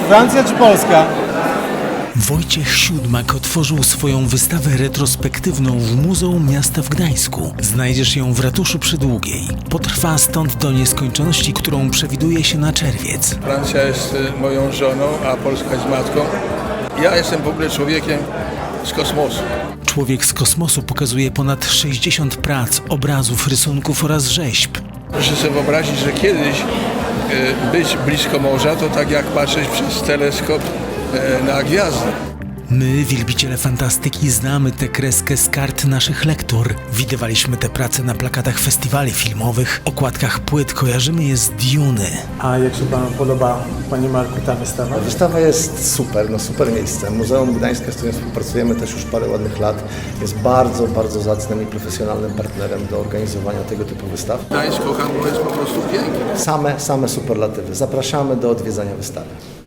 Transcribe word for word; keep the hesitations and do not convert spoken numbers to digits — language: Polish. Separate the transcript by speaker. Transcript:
Speaker 1: Francja czy Polska?
Speaker 2: Wojciech Siódmak otworzył swoją wystawę retrospektywną w Muzeum Miasta w Gdańsku. Znajdziesz ją w ratuszu przy Długiej. Potrwa stąd do nieskończoności, którą przewiduje się na czerwiec.
Speaker 3: Francja jest y, moją żoną, a Polska jest matką. Ja jestem w ogóle człowiekiem z kosmosu.
Speaker 2: Człowiek z kosmosu pokazuje ponad sześćdziesiąt prac, obrazów, rysunków oraz rzeźb.
Speaker 3: Proszę sobie wyobrazić, że kiedyś y, być blisko morza to tak jak patrzeć przez teleskop y, na gwiazdy.
Speaker 2: My, wielbiciele fantastyki, znamy tę kreskę z kart naszych lektur. Widywaliśmy te prace na plakatach festiwali filmowych, okładkach płyt, kojarzymy je z Duny.
Speaker 1: A jak się Panu podoba, Panie Marku, ta wystawa?
Speaker 4: Wystawa jest super, no super miejsce. Muzeum Gdańska, z którym współpracujemy też już parę ładnych lat, jest bardzo, bardzo zacnym i profesjonalnym partnerem do organizowania tego typu wystaw.
Speaker 3: Gdańsk, kocham, bo jest po prostu piękny.
Speaker 4: Same, same superlatywy. Zapraszamy do odwiedzania wystawy.